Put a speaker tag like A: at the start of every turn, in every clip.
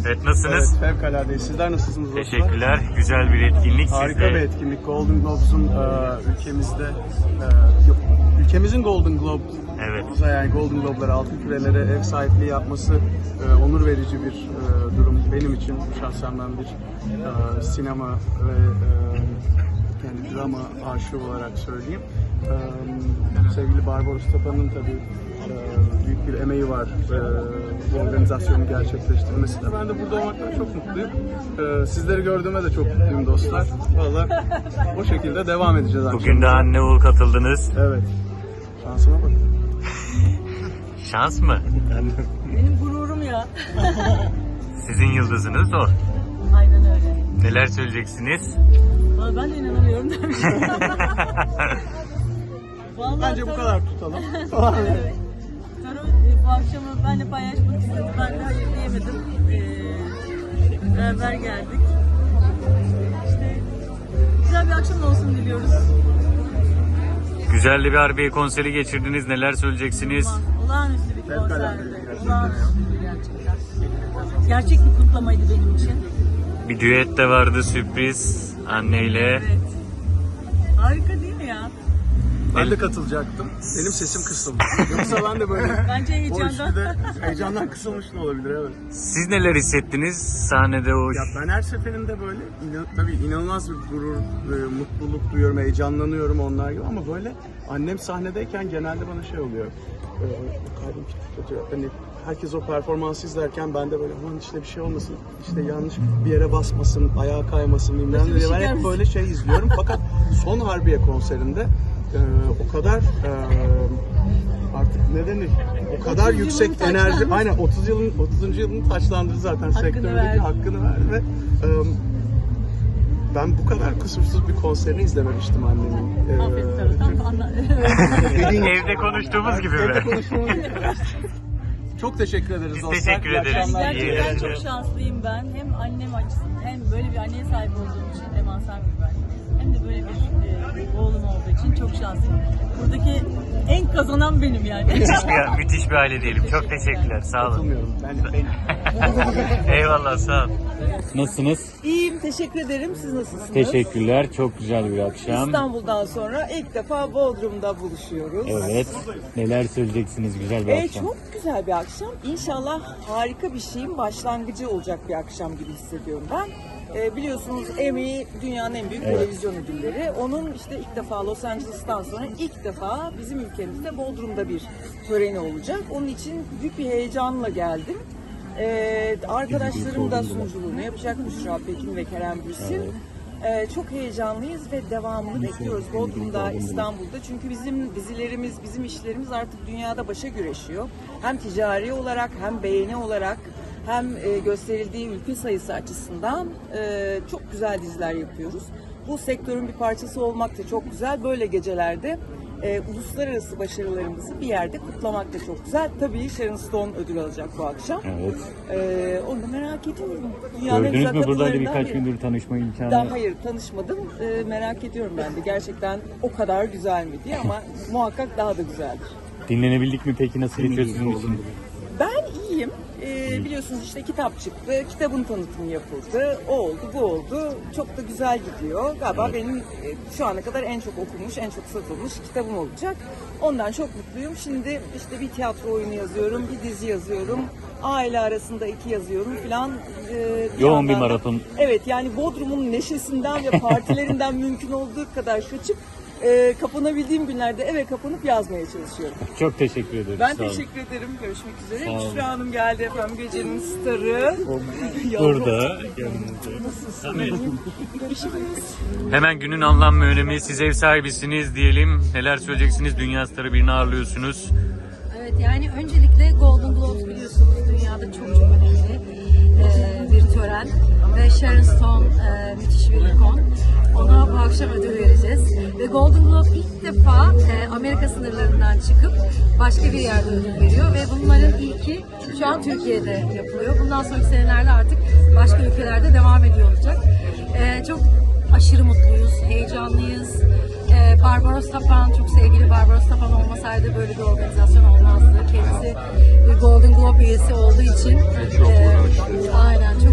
A: Evet, nasılsınız?
B: Evet, fevkaladeyiz. Sizler nasılsınız dostlar?
A: Teşekkürler. Güzel bir etkinlik.
B: Harika
A: Siz de-
B: bir etkinlik. Golden Globes'un ülkemizin Golden Globe,
A: Evet.
B: yani Golden Globe'lara, altın kürelere ev sahipliği yapması onur verici bir durum benim için. Şahsen ben bir sinema ve yani drama aşığı olarak söyleyeyim. Sevgili Barbaros Tapa'nın tabii büyük bir emeği var bu organizasyonu gerçekleştirmesinde. Ben de burada olmaktan çok mutluyum. Sizleri gördüğüme de çok mutluyum dostlar. Vallahi o şekilde devam edeceğiz.
A: Bugün de Anne Uğur katıldınız.
B: Evet. Şansıma bak.
A: Şans mı?
C: Benim gururum ya.
A: Sizin yıldızınız o.
C: Aynen öyle.
A: Neler söyleyeceksiniz?
C: Vallahi ben de inanamıyorum demiştim. Vallahi
B: Bence bu kadar tutalım.
C: Evet. Taro bu akşamı benimle paylaşmak istedi. Ben de hayır diyemedim. Beraber geldik. İşte güzel bir akşam olsun diliyoruz.
A: Güzel de bir Harbiye konseri geçirdiniz. Neler söyleyeceksiniz?
C: Olağanüstü bir
B: Fevkalade.
C: konserdi. Olağanüstü gerçekten. Gerçek bir kutlamaydı benim için.
A: Bir düet de vardı, sürpriz anneyle.
C: Evet. Harika değil mi ya?
B: Ben de katılacaktım. Benim sesim kısıldı. Yoksa ben de böyle
C: Bence
B: o
C: heyecandan.
B: üçlüde heyecandan kısılmış da olabilir, evet.
A: Siz neler hissettiniz sahnede o?
B: Ya ben her seferinde böyle tabii inanılmaz bir gurur, mutluluk duyuyorum, heyecanlanıyorum onlar gibi ama böyle annem sahnedeyken genelde bana şey oluyor. Kalbim tutuyor. Hani herkes o performansı izlerken ben de böyle aman işte bir şey olmasın, işte yanlış bir yere basmasın, ayağa kaymasın bilmem ne diye ben hep böyle şey izliyorum. Fakat son Harbiye konserinde o kadar artık ne denir? O kadar yüksek enerji, aynen 30 yılını taçlandırdı zaten sektördeki hakkını verdi ve ben bu kadar kusursuz bir konserini izlememiştim annemin.
C: Aferin sana. Tam anla.
A: Evde konuştuğumuz gibi
B: Evde
A: mi?
B: konuşmamız gibi. Çok teşekkür ederiz
A: Biz
B: dostlar.
A: teşekkür
B: İyi
A: ederiz.
B: akşamlar.
A: İyi
C: Gerçekten
A: eğlenceler.
C: çok şanslıyım ben. Hem annem açısından hem böyle bir anneye sahip olduğum için devasa bir ben. Hem de böyle bir oğlum olduğu için çok şanslıyım. Buradaki en kazanan benim yani.
A: Müthiş bir aile diyelim. Çok teşekkürler. Sağ olun.
B: Katılmıyorum. Ben
A: Eyvallah, sağ olun. Nasılsınız?
D: İyiyim, teşekkür ederim. Siz nasılsınız?
A: Teşekkürler. Çok güzel bir akşam.
D: İstanbul'dan sonra ilk defa Bodrum'da buluşuyoruz.
A: Evet. Neler söyleyeceksiniz güzel bir akşam?
D: Çok güzel bir akşam. İnşallah harika bir şeyin başlangıcı olacak bir akşam gibi hissediyorum ben. Biliyorsunuz Emmy dünyanın en büyük televizyon ödülleri. Onun işte ilk defa Los Angeles'tan sonra ilk defa bizim ülkemizde Bodrum'da bir töreni olacak. Onun için büyük bir heyecanla geldim. Arkadaşlarım da sunuculuğunu yapacak, Büşra Pekin ve Kerem Bürsin. Çok heyecanlıyız ve devamını bekliyoruz Bodrum'da, İstanbul'da. Çünkü bizim dizilerimiz, bizim işlerimiz artık dünyada başa güreşiyor. Hem ticari olarak hem beğeni olarak hem gösterildiği ülke sayısı açısından çok güzel diziler yapıyoruz. Bu sektörün bir parçası olmak da çok güzel. Böyle gecelerde uluslararası başarılarımızı bir yerde kutlamak da çok güzel. Tabii Sharon Stone ödül alacak bu akşam.
A: Evet.
D: Onu da merak ediyorum. Dünyanın en
A: Gördünüz
D: güzel
A: mü buradaydı
D: kapılarından
A: birkaç
D: biri.
A: gündür tanışma imkanı?
D: Daha hayır tanışmadım. Merak ediyorum ben de. Gerçekten o kadar güzel mi diye ama muhakkak daha da güzeldir.
A: Dinlenebildik mi peki? Nasıl geçiyor sizin için?
D: Ben iyiyim. Biliyorsunuz işte kitap çıktı. Kitabın tanıtımı yapıldı. O oldu, bu oldu. Çok da güzel gidiyor. Galiba benim şu ana kadar en çok okunmuş, en çok satılmış kitabım olacak. Ondan çok mutluyum. Şimdi işte bir tiyatro oyunu yazıyorum, bir dizi yazıyorum. Aile arasında 2 yazıyorum falan.
A: Yoğun bir
D: yandan da-
A: maraton.
D: Evet, yani Bodrum'un neşesinden ve partilerinden mümkün olduğu kadar kaçıp kapanabildiğim günlerde eve kapanıp yazmaya çalışıyorum.
A: Çok teşekkür ederiz.
D: Ben
A: Sağ olun.
D: teşekkür ederim. Görüşmek üzere.
A: Sağ olun.
D: Büşra Hanım geldi efendim. Gecenin starı.
A: Burada. Hemen günün anlam ve önemi. Siz ev sahibisiniz diyelim. Neler söyleyeceksiniz? Dünya starı birini ağırlıyorsunuz.
E: Evet, yani öncelikle Golden Globes biliyorsunuz dünyada çok önemli bir tören ve Sharon Stone müthiş bir ikon. Ona bu akşam ödül vereceğiz ve Golden Globe ilk defa Amerika sınırlarından çıkıp başka bir yerde ödül veriyor ve bunların ilki şu an Türkiye'de yapılıyor. Bundan sonraki senelerde artık başka ülkelerde devam ediyor olacak. Çok aşırı mutluyuz, heyecanlıyız. Barbaros Tapan, çok sevgili Barbaros Tapan olmasaydı böyle bir organizasyon olmazdı. Kendisi bir Golden Globe üyesi olduğu için aynen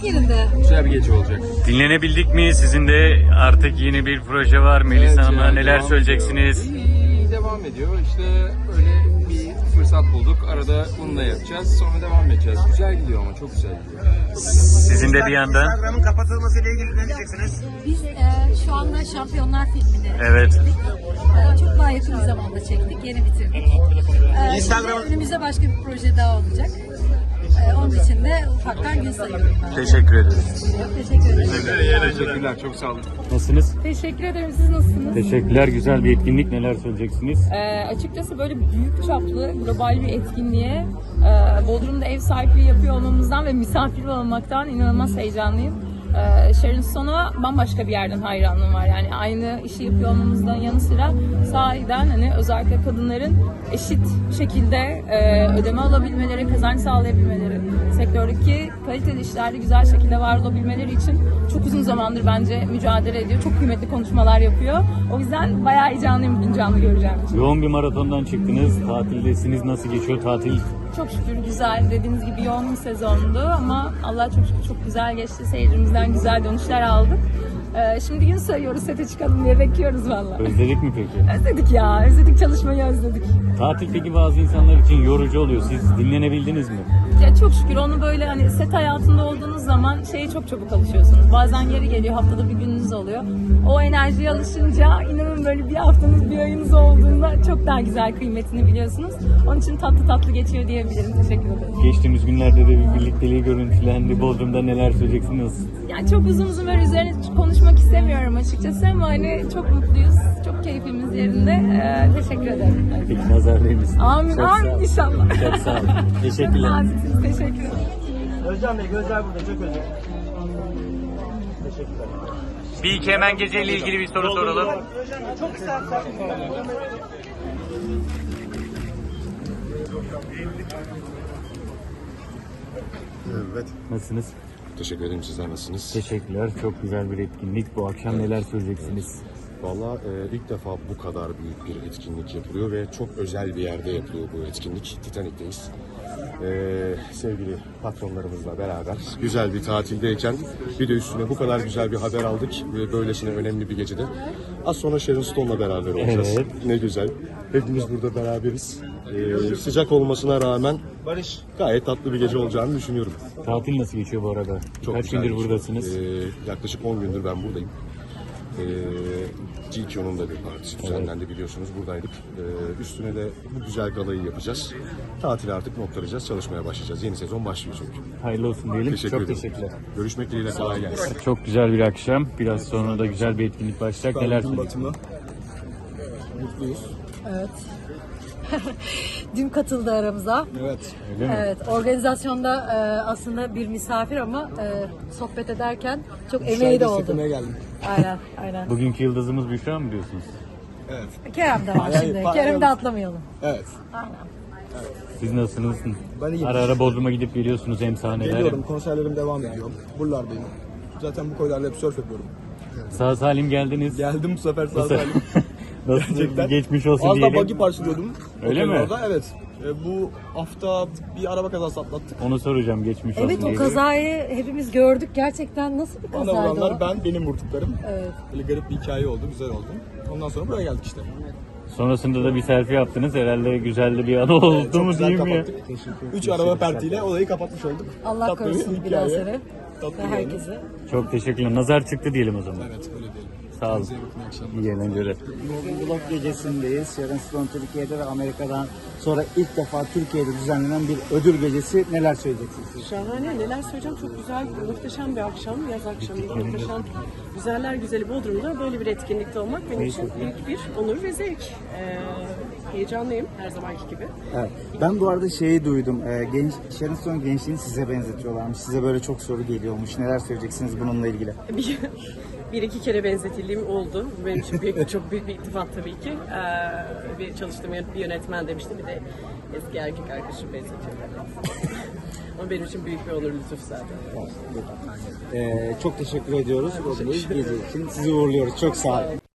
E: yerinde.
F: Güzel bir gece olacak.
A: Dinlenebildik mi? Sizin de artık yeni bir proje var. Melisa Hanım'la
F: yani
A: neler
F: devam
A: söyleyeceksiniz?
F: ediyor. İyi, devam ediyor. İşte öyle bir fırsat bulduk. Arada bunu da yapacağız. Sonra devam edeceğiz. Güzel gidiyor ama çok güzel gidiyor.
A: Sizin de bir yandan.
G: Instagram'ın kapatılmasıyla ilgili ne diyeceksiniz?
E: Biz şu anda Şampiyonlar filmini
A: Evet.
E: çektik. Çok daha yakın bir zamanda çektik. Yeni bitirdik. Şimdi önümüzde başka bir proje daha olacak. Onun için de ufaktan gün sayıyorum ben.
A: Teşekkür ederiz.
E: Teşekkür ederim.
F: Teşekkürler. Çok sağ olun.
A: Nasılsınız?
H: Teşekkür ederim. Siz nasılsınız?
A: Teşekkürler. Güzel bir etkinlik. Neler söyleyeceksiniz?
H: Açıkçası böyle büyük çaplı global bir etkinliğe Bodrum'da ev sahipliği yapıyor olmamızdan ve misafir olmaktan inanılmaz heyecanlıyım. Sharon Stone'a bambaşka bir yerden hayranlığım var. Yani aynı işi yapıyor olmamızdan yanı sıra sahiden hani özellikle kadınların eşit şekilde ödeme alabilmeleri, kazanç sağlayabilmeleri, sektördeki kaliteli işlerde güzel şekilde var olabilmeleri için çok uzun zamandır bence mücadele ediyor. Çok kıymetli konuşmalar yapıyor. O yüzden bayağı heyecanlıyım bugün canlı göreceğim için.
A: Yoğun bir maratondan çıktınız. Tatildesiniz. Nasıl geçiyor tatil?
H: Çok şükür güzel. Dediğiniz gibi yoğun bir sezondu ama Allah çok şükür çok güzel geçti. Seyircimizden güzel dönüşler aldık. Şimdi gün sayıyoruz, sete çıkalım diye bekliyoruz valla.
A: Özledik mi peki?
H: Özledik ya. Özledik, çalışmayı özledik.
A: Tatil peki bazı insanlar için yorucu oluyor. Siz dinlenebildiniz mi?
H: Ya çok şükür onu böyle hani set hayatında olduğunuz zaman şeye çok çabuk alışıyorsunuz. Bazen yeri geliyor, haftada bir gününüz oluyor. O enerjiye alışınca inanın böyle bir haftanız, bir ayınız olduğunda çok daha güzel kıymetini biliyorsunuz. Onun için tatlı tatlı geçiyor diyebilirim. Teşekkür ederim.
A: Geçtiğimiz günlerde de bir birlikteliği görüntülendi. Bodrum'da neler söyleyeceksiniz?
H: Yani çok uzun böyle üzerine konuşmak istemiyorum açıkçası ama hani çok mutluyuz. Çok keyfimiz yerinde. Teşekkür ederim.
A: Peki nazar değil misin?
H: Amin,
A: Çok sağ
H: amin
A: olun.
H: inşallah.
A: Çok sağ olun. Teşekkürler.
H: Naziksiniz, teşekkür ederim.
G: Özcan Bey, gözler burada, çok özür. Teşekkürler.
A: Bir iki hemen geceyle ilgili bir soru soralım.
G: Çok kısa.
I: Evet.
A: Nasılsınız?
I: Teşekkür ederim. Sizler nasılsınız?
A: Teşekkürler. Çok güzel bir etkinlik. Bu akşam neler söyleyeceksiniz?
I: Valla ilk defa bu kadar büyük bir etkinlik yapılıyor ve çok özel bir yerde yapılıyor bu etkinlik. Titanik'teyiz. Sevgili patronlarımızla beraber güzel bir tatildeyken bir de üstüne bu kadar güzel bir haber aldık ve böylesine önemli bir gecede. Az sonra Sharon Stone'la beraber olacağız.
A: Evet.
I: Ne güzel. Hepimiz burada beraberiz. Sıcak olmasına rağmen gayet tatlı bir gece olacağını düşünüyorum.
A: Tatil nasıl geçiyor bu arada?
I: Çok
A: Kaç
I: güzel
A: gündür
I: geçiyor.
A: buradasınız?
I: Yaklaşık 10 gündür ben buradayım. GQ'nun da bir partisi düzenlendi biliyorsunuz. Buradaydık. Üstüne de bu güzel galayı yapacağız. Tatili artık noktalayacağız. Çalışmaya başlayacağız. Yeni sezon başlıyor çünkü.
A: Hayırlı olsun diyelim.
I: Teşekkür
A: Çok
I: ederim.
A: teşekkürler.
I: Görüşmek dileğiyle, kolay gelsin.
A: Çok güzel bir akşam. Biraz sonra da güzel bir etkinlik başlayacak. Neler söyleyeceksiniz?
E: Dün katıldı aramıza.
F: Evet.
A: Öyle mi?
E: Evet, organizasyonda aslında bir misafir ama sohbet ederken çok emeği de oldu.
F: geldim.
E: Aynen.
A: Bugünkü yıldızımız Büşra mı diyorsunuz?
E: Kerem de var şimdi. Kerem'i de atlamayalım.
F: Evet.
A: Siz nasılsınız?
J: Ben iyiyim.
A: Ara ara Bodrum'a gidip geliyorsunuz hem sahnelere.
J: Geliyorum, konserlerim devam ediyor. Buralardayım. Zaten bu koylarla hep surf yapıyorum.
A: Sağ salim geldiniz.
J: Geldim bu sefer sağ
A: Nasıl?
J: salim.
A: Nasıl
J: Gerçekten.
A: geçmiş olsun
J: Az da
A: diyelim.
J: buggy parçalıyordum.
A: Öyle
J: Otelin
A: mi?
J: Orada. Evet. Bu hafta bir araba kazası atlattık.
A: Onu soracağım geçmiş olsun
E: Evet, o
A: diyelim.
E: kazayı hepimiz gördük. Gerçekten nasıl bir
J: Bana
E: kazaydı
J: vuranlar
E: o?
J: benim vurduklarım.
E: Evet.
J: Böyle garip bir hikaye oldu, güzel oldu. Ondan sonra buraya geldik işte.
A: Sonrasında da bir selfie yaptınız. Herhalde güzel de bir anı oldu
J: Çok
A: mu
J: güzel
A: diyeyim ya.
J: kapattık. 3 araba pertiyle olayı kapatmış olduk.
E: Allah
J: Tatlı bir
E: korusun bir daha
J: hikaye.
E: seni
J: Tatlı
E: ve
J: bir
E: herkese.
A: Çok teşekkürler. Nazar çıktı diyelim o zaman.
J: Evet, öyle diyelim.
A: Sağ olun.
J: Size bakın, iyi akşamlar.
A: İyi eğlenceler.
G: Blog gecesindeyiz. Sharon Stone Türkiye'de ve Amerika'dan sonra ilk defa Türkiye'de düzenlenen bir ödül gecesi. Neler söyleyeceksiniz?
K: Şahane, neler söyleyeceğim, çok güzel, muhteşem bir akşam, yaz akşamı, muhteşem, güzeller güzeli Bodrum'da böyle bir etkinlikte olmak benim için büyük bir onur ve zevk. Heyecanlıyım her zamanki gibi.
G: Evet. Ben bu arada şeyi duydum. Sharon Stone gençliğini size benzetiyorlarmış. Size böyle çok soru geliyormuş. Neler söyleyeceksiniz bununla ilgili?
K: Bir iki kere benzetildiğim oldu. Benim için çok büyük bir iltifat tabii ki. Bir çalıştığım bir yönetmen demişti, bir de eski erkek arkadaşım benzetiyor. Ama benim için büyük bir onur, lütuf zaten.
G: Çok teşekkür ediyoruz. Bu gece için sizi uğurluyoruz. Çok sağ olun.